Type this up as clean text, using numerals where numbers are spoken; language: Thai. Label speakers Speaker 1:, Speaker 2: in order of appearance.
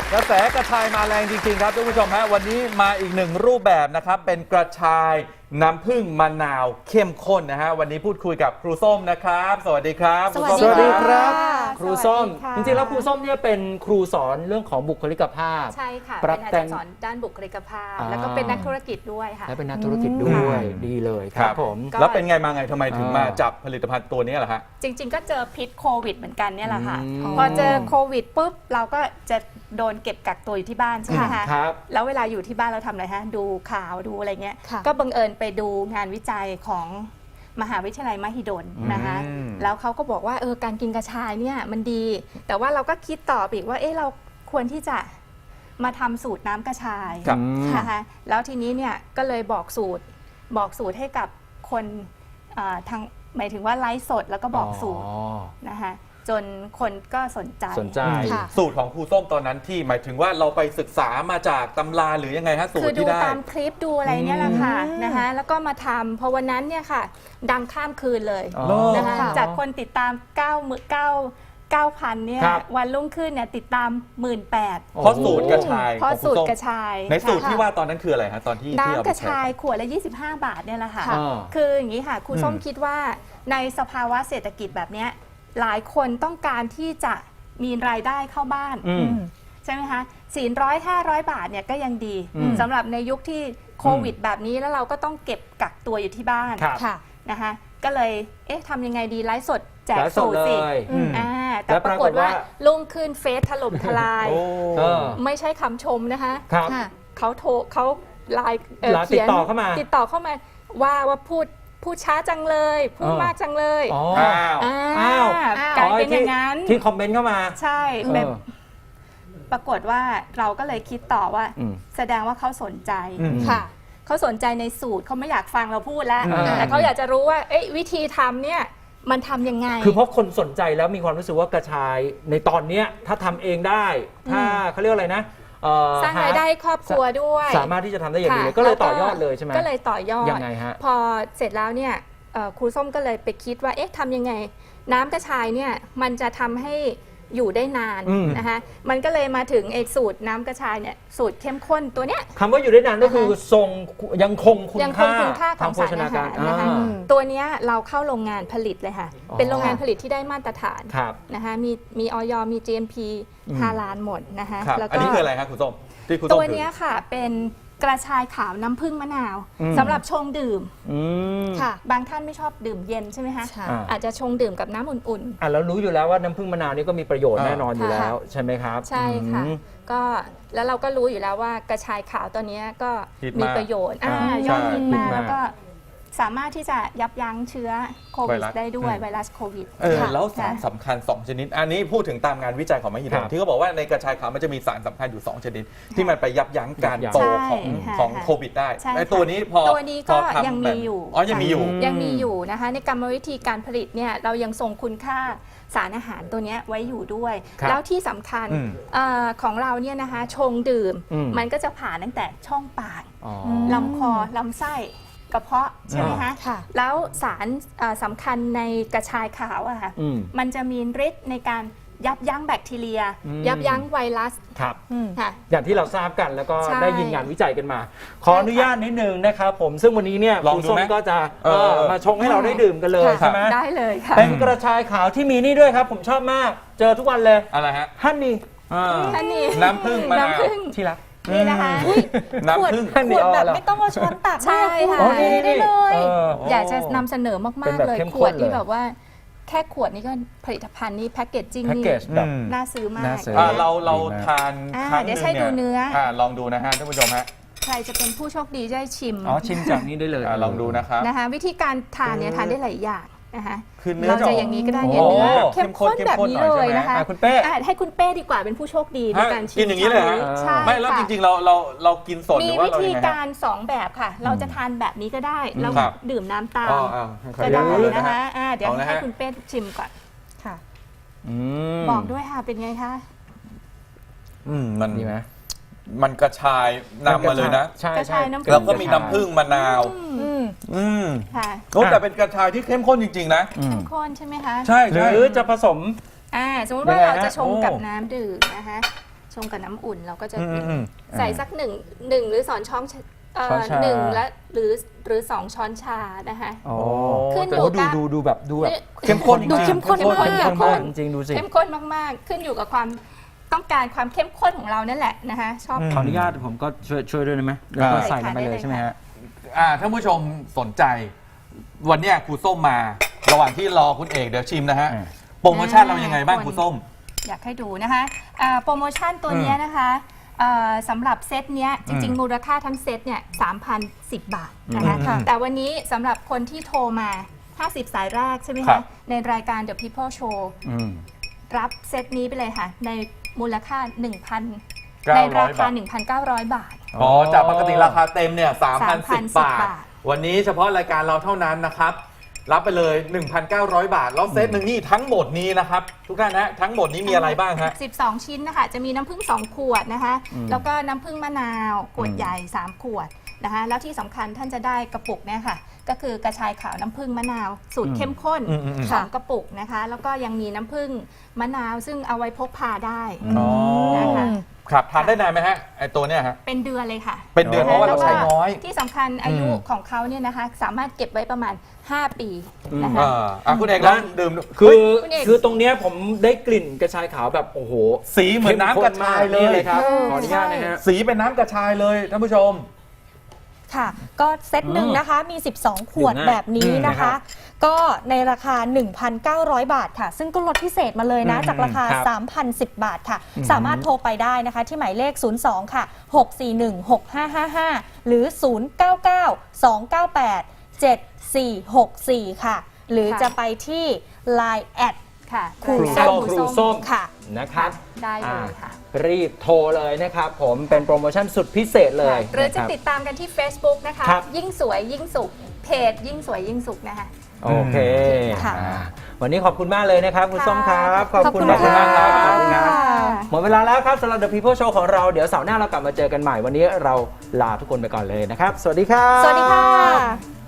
Speaker 1: กระแสกระชายมาแรงจริงๆครับท่านผู้ชมฮะวันนี้มาอีกหนึ่งรูปแบบนะครับเป็นกระชายน้ำผึ้งมะนาวเข้มข้นนะฮะวันนี้พูดคุยกับครูส้มนะครับสวัสดีครับ
Speaker 2: สวัสดีครับ
Speaker 3: ครูส้ม
Speaker 2: จริงๆแล้วครูส้มเนี่ยเป็นครูสอนเรื่องของบุคลิกภาพ
Speaker 3: ใช่ค่ะ
Speaker 2: ปรั
Speaker 3: เป็
Speaker 2: บ
Speaker 3: นอา
Speaker 2: แต่
Speaker 3: จารง ย์สอนด้านบุคลิกภาพ
Speaker 2: อ่า
Speaker 3: แล้วก็เป็นนักธุรกิจด้วยค่ะ
Speaker 2: และเป็นนักธุรกิจด้วยดีเลยครับผม
Speaker 1: แล้วเป็นไงมาไงทำไมถึงมา
Speaker 2: อ่า
Speaker 1: จับผลิตภัณฑ์ตัวนี้ล่ะฮะ
Speaker 3: จริงๆ ก็เจอพิษโควิดเหมือนกันเนี่ยแหละค่ะ
Speaker 2: อืม
Speaker 3: พอเจอโควิดปุ๊บเราก็จะโดนเก็บกักตัวอยู่ที่บ้านใช่ไหมคะ
Speaker 2: ครับ
Speaker 3: แล้วเวลาอยู่ที่บ้านเราทำอะไรฮะดูข่าวดูอะไรเงี้ย
Speaker 4: ค่ะ
Speaker 3: ก็บังเอิญไปดูงานวิจัยของมหาวิทยาลัยมหิดลนะคะ
Speaker 1: อืม
Speaker 3: แล้วเขาก็บอกว่าการกินกระชายเนี่ยมันดี แต่ว่าเราก็คิดต่อไปอีกว่าเราควรที่จะมาทำสูตรน้ำกระชาย
Speaker 1: ครับ
Speaker 3: นะคะแล้วทีนี้เนี่ยก็เลยบอกสูตรให้กับคนทางหมายถึงว่าไลฟ์สดแล้วก็บอกสูตรนะคะจนคนก็สนใจ
Speaker 2: สนใจ
Speaker 4: ค่ะ
Speaker 1: สูตรของครูส้มตอนนั้นที่หมายถึงว่าเราไปศึกษามาจากตำราหรือยังไงฮะสูต
Speaker 3: คื
Speaker 1: ร
Speaker 3: อดู
Speaker 1: ที่ได้
Speaker 3: ตามคลิปดูอะไรเนี่ยแหละค่ะนะคะแล้วก็มาทำพอวันนั้นเนี่ยค่ะดังข้ามคืนเลย
Speaker 2: อ๋อ
Speaker 3: นะคะ
Speaker 4: ค่ะ
Speaker 3: จากคนติดตาม9,000เนี่ย
Speaker 2: ครับ
Speaker 3: วันรุ่งขึ้นเนี่ยติดตาม 18,000
Speaker 1: เพราะสูตรกระชาย
Speaker 3: เพราะ
Speaker 1: ของค
Speaker 3: สูตร
Speaker 1: ส้ม
Speaker 3: กระชาย
Speaker 1: ในสูตร
Speaker 3: ค่ะ
Speaker 1: ที่ว่าตอนนั้นคืออะไรฮะตอนที่เอา
Speaker 3: น้ำ
Speaker 1: ไป
Speaker 3: กระ
Speaker 1: ใช้
Speaker 3: ชายขวดละ25 บาทเนี่ยแหละค่ะ
Speaker 2: ค่ะ
Speaker 3: คืออย่างนี้ค่ะครูส้มคิดว่าในสภาวะเศรษฐกิจแบบเนี้ยหลายคนต้องการที่จะมีรายได้เข้าบ้าน
Speaker 2: อืม
Speaker 3: ใช่ไหมคะ400-500 บาทเนี่ยก็ยังดี
Speaker 2: อืม
Speaker 3: สำหรับในยุคที่โควิดแบบนี้แล้วเราก็ต้องเก็บกักตัวอยู่ที่บ้าน
Speaker 2: ครับ
Speaker 4: ค่ะ
Speaker 3: นะคะก็เลยทำยังไงดีไลฟ์สดแจก
Speaker 2: ไลฟ์สด
Speaker 3: สูตรสิ
Speaker 2: เลย
Speaker 3: แต่
Speaker 2: แล้ว
Speaker 3: ป
Speaker 2: ป
Speaker 3: รา
Speaker 2: าก ก
Speaker 3: ฏ
Speaker 2: ฏ
Speaker 3: ว่า
Speaker 2: ว่า
Speaker 3: ลุ่งขึ้นเฟซถล่มทลาย
Speaker 1: โอ้
Speaker 2: เออ
Speaker 3: ไม่ใช่คำชมนะคะ
Speaker 2: ครับ
Speaker 4: ค่ะ
Speaker 3: เขาไลน์
Speaker 2: ไลน์
Speaker 3: เขียน
Speaker 2: ติดต่อเข้ามา
Speaker 3: ติดต่อเข้ามาว่าพูดช้าจังเลยพูด
Speaker 2: เออ
Speaker 3: มากจังเลย
Speaker 2: อ๋อ
Speaker 1: อ้าว
Speaker 3: กลายเป็นอย่างนั้น
Speaker 2: ที่คอมเมนต์เข้ามา
Speaker 3: ใช่
Speaker 2: เออ
Speaker 3: แบบปรากฏว่าเราก็เลยคิดต่อว่า
Speaker 2: อืม
Speaker 3: แสดงว่าเขาสนใจ
Speaker 1: อืม
Speaker 4: ค่ะ
Speaker 3: เขาสนใจในสูตรเขาไม่อยากฟังเราพูดแล้ว
Speaker 2: อ่า
Speaker 3: แต่เขาอยากจะรู้ว่าวิธีทำเนี่ยมันทำยังไง
Speaker 2: คือเพราะคนสนใจแล้วมีความรู้สึกว่ากระชายในตอนเนี้ยถ้าทำเองได้ ถ้าเขาเรียกว่าอะไรนะ
Speaker 3: สร้างรายได้ให้ครอบครัวด้วย
Speaker 2: สามารถที่จะทำได้อย่างดีเลย
Speaker 3: ค่ะ
Speaker 2: ก็เลย
Speaker 3: แว
Speaker 2: ต่อยอดเลยใช่ไหม
Speaker 3: ก็เลยต่อยอด
Speaker 2: ยังไงฮะ
Speaker 3: พอเสร็จแล้วเนี่ยครูส้มก็เลยไปคิดว่าทำยังไง น้ำกระชายเนี่ยมันจะทำให้อยู่ได้นาน
Speaker 2: อืม
Speaker 3: นะคะมันก็เลยมาถึงสูตรน้ำกระชายเนี่ยสูตรเข้มข้นตัวเนี้ย
Speaker 2: คำว่าอยู่ได้นานก็คือทรงยังคงคุณ
Speaker 3: ยังคง
Speaker 2: ค่า
Speaker 3: คุณค่าข
Speaker 2: ทา
Speaker 3: อง ง
Speaker 2: โภ
Speaker 3: สาร
Speaker 2: ชนา
Speaker 3: อา
Speaker 2: การ
Speaker 3: หารนะคะ
Speaker 2: อ่า
Speaker 3: ตัวเนี้ยเราเข้าโรงงานผลิตเลยค่ะ
Speaker 2: อ๋อ
Speaker 3: เป็นโรงงานผลิตที่ได้มาตรฐาน
Speaker 2: ครับ
Speaker 3: นะคะมีอย มี GMP 5 ล้านหมดนะคะ
Speaker 1: ครับ
Speaker 3: แล้ว
Speaker 1: อัน
Speaker 3: ก็
Speaker 1: นี้คืออะไรครับครูส้มที่ครูส้ม
Speaker 3: ตัว
Speaker 1: ถือ
Speaker 3: เนี้ยค่ะเป็นกระชายขาวน้ำผึ้งมะนาว
Speaker 2: อืม
Speaker 3: สำหรับชงดื่ม
Speaker 2: อืม
Speaker 4: ค่ะ
Speaker 3: บางท่านไม่ชอบดื่มเย็นใช่ไหมคะ
Speaker 4: ใช่
Speaker 3: อาจจะชงดื่มกับน้ำอุ่น
Speaker 2: อ่ะแล้วรู้อยู่แล้วว่าน้ำผึ้งมะนาวนี่ก็มีประโยชน์
Speaker 1: อ่า
Speaker 2: แน่นอนอยู่แล้วใช่ไหมครับ
Speaker 3: ๆ ใช่ค่ะ
Speaker 2: อืม
Speaker 3: ก็แล้วเราก็รู้อยู่แล้วว่ากระชายขาวตัวเนี้ยก็
Speaker 1: ฮิต
Speaker 3: มี
Speaker 1: มาก
Speaker 3: ประโยชน์
Speaker 2: อ่าย
Speaker 3: อดฮิต
Speaker 2: ใช่
Speaker 3: มาก
Speaker 2: ฮิตมาก
Speaker 3: แล้วก็สามารถที่จะยับยั้งเชื้อโควิด
Speaker 1: ไวรัส
Speaker 3: ได้ด้วย
Speaker 1: อืม
Speaker 3: ไวรัสโควิด
Speaker 1: แล้ว
Speaker 3: ค่ะ
Speaker 1: สารสำคัญ 2 ชนิด อันนี้พูดถึงตามงานวิจัยของมหิด
Speaker 2: ครั
Speaker 1: ล
Speaker 2: บ
Speaker 1: ที่เขาบอกว่าในกระชายขาวมันจะมีสารสำคัญอยู่ 2 ชนิด ที่มันไปยับยั้งการ
Speaker 2: ยับยั้ง
Speaker 1: โต
Speaker 3: ใช่
Speaker 1: ของ
Speaker 3: ค่ะ
Speaker 1: ของ
Speaker 3: ค่ะ
Speaker 1: โควิดได้
Speaker 3: ใช่
Speaker 1: ไอ้
Speaker 3: ค่ะ
Speaker 1: ตัวนี้พอ
Speaker 3: ตัวนี้ก็
Speaker 1: พอทำ
Speaker 3: ยังมีอยู่
Speaker 1: อ๋อยังมีอยู่
Speaker 3: ยังมีอยู่นะคะในกรรมวิธีการผลิตเนี่ยเรายังทรงคุณค่าสารอาหารตัวเนี้ยไว้อยู่ด้วย
Speaker 2: ครับ
Speaker 3: แล้วที่สำคัญ
Speaker 1: อืม
Speaker 3: ของเราเนี่ยนะคะชงดื่ม
Speaker 2: อืม
Speaker 3: มันก็จะผ่านตั้งแต่ช่องปาก
Speaker 2: อ๋อ
Speaker 3: ลำคอลำไส้กระเพาะใช่ไหมคะ
Speaker 4: ค่ะ
Speaker 3: แล้วสารสำคัญในกระชายขาวอะค่ะ
Speaker 2: อืม
Speaker 3: มันจะมีฤทธิ์ในการยับยั้งแบคทีเรีย
Speaker 2: อืม
Speaker 3: ยับยั้งไวรัส
Speaker 2: ครับ
Speaker 3: ค่ะ
Speaker 2: อย่างที่เราทราบกันแล้วก็
Speaker 3: ใช่
Speaker 2: ได้ยินงานวิจัยกันมา ขออนุญาตนิดนึงนะครับผมซึ่งวันนี้เนี่ย
Speaker 1: ลอง
Speaker 2: ครู
Speaker 1: ดู
Speaker 2: ส้ม
Speaker 1: ไหม
Speaker 2: ก็จะ
Speaker 1: เออ
Speaker 2: มาชงให้เราได้ดื่มกันเลย
Speaker 3: ค่ะ
Speaker 2: ใช่ไหม
Speaker 3: ได้เลยค่ะ
Speaker 2: เป็นกระชายขาวที่มีนี่ด้วยครับ ผมชอบมาก เจอทุกวันเลย
Speaker 1: อะไรฮะ
Speaker 2: ฮันนี่
Speaker 3: ท่านนี้
Speaker 1: น้ำผึ้งมะนาว
Speaker 3: น้ำผึ้ง
Speaker 2: ที่รัก
Speaker 3: นี่นะคะ
Speaker 1: น้ำผึ้ง
Speaker 2: ฮัน
Speaker 4: ข
Speaker 2: นี่
Speaker 4: วด
Speaker 2: อ๋อ
Speaker 4: แบบ
Speaker 2: เหรอ
Speaker 4: ไม่ต้องเอาช้อนตัก
Speaker 3: ใช่
Speaker 4: ด้วย
Speaker 3: ค่ะ
Speaker 2: อ๋อนี่
Speaker 4: ได้เลย
Speaker 2: เออ
Speaker 3: อยากจะนำเสนอ
Speaker 2: เป็
Speaker 3: มาน ก
Speaker 2: แบบ
Speaker 3: ๆเลย
Speaker 2: เข้ม
Speaker 3: ข
Speaker 2: ข้น
Speaker 3: วดนี่
Speaker 2: เลย
Speaker 3: แบบว่าแค่ขวดนี้ก็ผลิตภัณฑ์นี้แพ็กเกจจิ้ง
Speaker 2: แพ็ก
Speaker 3: นี่
Speaker 2: เกจแบบ
Speaker 1: อืม
Speaker 3: น่าซื้อมาก
Speaker 2: น่าซื้อ
Speaker 1: เรา
Speaker 2: ดีมาก
Speaker 1: ทาน
Speaker 3: อ่า
Speaker 1: ครั้งห
Speaker 3: เดี๋
Speaker 1: นึ
Speaker 3: ยว
Speaker 1: ง
Speaker 3: ให้ดู
Speaker 1: เนี่ย
Speaker 3: เนื้อ
Speaker 1: ลองดูนะฮะท่านผู้ชมฮะ
Speaker 3: ใครจะเป็นผู้โชคดีได้ชิม
Speaker 2: อ๋อชิมจากนี้ได้เลย
Speaker 1: ลองดูนะครับ
Speaker 3: นะคะวิธีการทานเนี่ยทานได้หลายอย่างนะคะ
Speaker 1: คือเนื้อ
Speaker 3: เรา
Speaker 1: จะ
Speaker 3: จะ
Speaker 1: ออก
Speaker 3: อย่างนี้ก็ได้
Speaker 2: โอ้
Speaker 3: เนี่ยเนื้อ
Speaker 1: เข้
Speaker 3: เข้
Speaker 1: ม
Speaker 3: ม
Speaker 1: ข้น
Speaker 3: ข้นแบบนี้
Speaker 1: เข้มข้นหน่อย
Speaker 3: เลยนะคะ
Speaker 2: อ่ะคุณเป้
Speaker 3: ให้คุณเป้ดีกว่าเป็นผู้โชคดีในการชิม
Speaker 1: กินอย่างนี้เลยเหรอ
Speaker 3: ใช่
Speaker 1: ไม่แล้วจ
Speaker 3: ค่ะ
Speaker 1: ริงๆเรากินสดห
Speaker 3: มี
Speaker 1: รือว่า
Speaker 3: วิ
Speaker 1: เรา
Speaker 3: ธี
Speaker 1: ยังไงฮะ
Speaker 3: การ 2 แบบค่ะ เราจะทานแบบนี้ก็ได้แล้ว
Speaker 1: ครับ
Speaker 3: ดื่มน้ำตาม
Speaker 1: ขอ
Speaker 3: ก็
Speaker 1: อนุญา
Speaker 3: ได้
Speaker 1: ตเลย
Speaker 3: นะคะเดี๋ยว
Speaker 1: เอานะ
Speaker 3: ให้
Speaker 1: ฮะ
Speaker 3: คุณเป้ชิมก่อน
Speaker 4: ค่ะ
Speaker 3: บอกด้วยค่ะเป็นไงคะ
Speaker 1: มัน
Speaker 2: ดีไหม
Speaker 1: มันกระชายนำมาเลยนะ
Speaker 2: ใช่
Speaker 3: กระ
Speaker 2: ใช่
Speaker 3: ชายน้ำผึ้ง
Speaker 1: แล้วก็มีน้ำผึ้งมะนาว
Speaker 4: อืม
Speaker 3: ค่ะ
Speaker 1: โอ้แต่เป็นกระชายที่เข้มข้นจริงๆนะ
Speaker 3: เข้มข้นใช่ไหมคะ
Speaker 1: ใช่
Speaker 2: ห
Speaker 1: ใช่
Speaker 2: รือจะผสม
Speaker 3: สมมติว่า
Speaker 2: ยังไงฮะ
Speaker 3: เราจะชง
Speaker 2: โอ้
Speaker 3: กับน้ำดื่มนะคะชงกับน้ำอุ่นเราก็จะ
Speaker 1: อืม
Speaker 3: ใส่สักหนึ่งหรือ2 ช้อน
Speaker 2: ช้อนชา
Speaker 3: หนึ่งและหรือ2 ช้อนชานะคะ
Speaker 2: อ๋อ
Speaker 3: ขึ้นอยู่
Speaker 2: โอ้
Speaker 3: กับ
Speaker 2: ดูแบบ
Speaker 1: เข้มข้น
Speaker 4: ดูเข้มข้น
Speaker 3: เข้มข้น
Speaker 4: มาก
Speaker 3: เข้มข้น
Speaker 2: จริงๆดูสิ
Speaker 3: เข้มข้นมากๆ ขึ้นอยู่กับความต้องการความเข้มข้นของเรานั่นแหละนะคะชอบ
Speaker 2: ขออนุญาตผมก็ช่วยด้วยได้ไหมแล้วก็
Speaker 3: ได้
Speaker 2: ใส่ลงไป
Speaker 3: ค่ะ
Speaker 2: เลย
Speaker 3: ได้
Speaker 2: ใช่ไหมฮะ
Speaker 1: ท่านผู้ชมสนใจ วันเนี้ยครูส้มมา ระหว่างที่รอคุณเอกเดี๋ยวชิมนะฮะ
Speaker 2: อ่า
Speaker 1: โปรโมชั่นเรายังไงบ้างครูส้ม
Speaker 3: อยากให้ดูนะคะโปรโมชั่นตัวเนี้ยนะคะสำหรับเซตเนี้ยจริง ๆ มูลค่าทั้งเซตเนี่ย 3,010 บาทนะคะ
Speaker 1: ค่ะ
Speaker 3: แต่วันนี้สำหรับคนที่โทรมา 50 สายแรกใช่ไหม
Speaker 1: ครั
Speaker 3: คะ
Speaker 1: บ
Speaker 3: ในรายการ The People Show
Speaker 2: อืม
Speaker 3: รับเซตนี้ไปเลยค่ะ ในมูลค่า
Speaker 1: 900
Speaker 3: ในราคา
Speaker 1: บาท
Speaker 3: 1,900 บาท
Speaker 1: อ๋อจากปกติราคาเต็มเนี่ย3,010
Speaker 3: 3,010
Speaker 1: บาท วันนี้เฉพาะรายการเราเท่านั้นนะครับ รับไปเลย 1,900 บาท แล้วเซตหนึ่งนี่ทั้งหมดนี้นะครับ ทุกท่านนะทั้งหมดนี้มีอะไรบ้างฮะ
Speaker 3: 12 ชิ้นนะคะ จะมีน้ำผึ้ง2 ขวดนะคะ แล้วก็น้ำผึ้งมะนาวขวดใหญ่ 3 ขวดนะคะ แล้วที่สำคัญท่านจะได้กระปุกเนี่ยค่ะ ก็คือกระชายขาวน้ำผึ้งมะนาว สูตรเข้มข้น
Speaker 1: ค่ะ
Speaker 3: 2 กระปุกนะคะ แล้วก็ยังมีน้ำผึ้งมะนาวซึ่งเอาไว้พกพาได้
Speaker 1: อ๋อ
Speaker 3: นะคะ
Speaker 1: ครับทานได้นานไหมฮะไอตัวเนี้ยฮะ
Speaker 3: เป็นเดือนเลยค่ะ
Speaker 1: เป็นเดือนเพราะว่าเราใช้น้อย
Speaker 3: ที่สำคัญอายุของเขาเนี่ยนะคะ สามารถเก็บไว้ประมาณ 5 ปีนะคะ
Speaker 1: คุณเอกลองดื่มดู
Speaker 2: คือ
Speaker 3: คุณเอก
Speaker 2: คือตรงเนี้ยผมได้กลิ่นกระชายขาวแบบโอ้โห
Speaker 1: สีเหมือนน้ำกระชายเล
Speaker 2: นี่
Speaker 1: ย
Speaker 2: เลยครับขออนุญาตนะฮะ
Speaker 1: สีเป็นน้ำกระชายเลยท่านผู้ชม
Speaker 4: ค่ะ ก็เซตหนึ่งนะคะมี 12 ขวด
Speaker 2: ดื่มง่าย
Speaker 4: แบบนี้นะ
Speaker 2: ครั
Speaker 4: คะ
Speaker 2: บ
Speaker 4: ก็ในราคา 1,900 บาทค่ะ ซึ่งก็ลดพิเศษมาเลยนะ จากราคา
Speaker 2: ครับ
Speaker 4: 3,010 บาทค่ะ สามารถโทรไปได้นะคะ ที่หมายเลข 02 ค่ะ 6416555 หรือ 099 298 7464 ค่ะ หรือจะไปที่ Line แอด
Speaker 3: ค่ะ
Speaker 4: ครู
Speaker 3: ได้
Speaker 4: ส้ม
Speaker 2: ครูส้ม
Speaker 4: ค่ะ
Speaker 2: นะครับ
Speaker 3: ได้เลยค่ะ
Speaker 2: รีบโทรเลยนะครับผมเป็นโปรโมชั่นสุดพิเศษเลย
Speaker 3: หรือจะ
Speaker 2: นคบ
Speaker 3: ติดตามกันที่ Facebook นะคะ
Speaker 2: ครับ
Speaker 3: ยิ่งสวยยิ่งสุข เพจยิ่งสวยยิ่งสุขนะคะ
Speaker 2: โอเค
Speaker 4: ค่ะ
Speaker 2: วันนี้ขอบคุณมากเลยนะครับคุณส้มครับ
Speaker 3: ขอบคุณ
Speaker 2: มากมากครับ
Speaker 3: ค่ะ
Speaker 2: ขอบคุณครับหมดเวลาแล้วครับสำหรับ The People Show ของเราเดี๋ยวเสาร์หน้าเรากลับมาเจอกันใหม่วันนี้เราลาทุกคนไปก่อนเลยนะครับ สวัสดีครับ
Speaker 4: สวัสดีค่ะ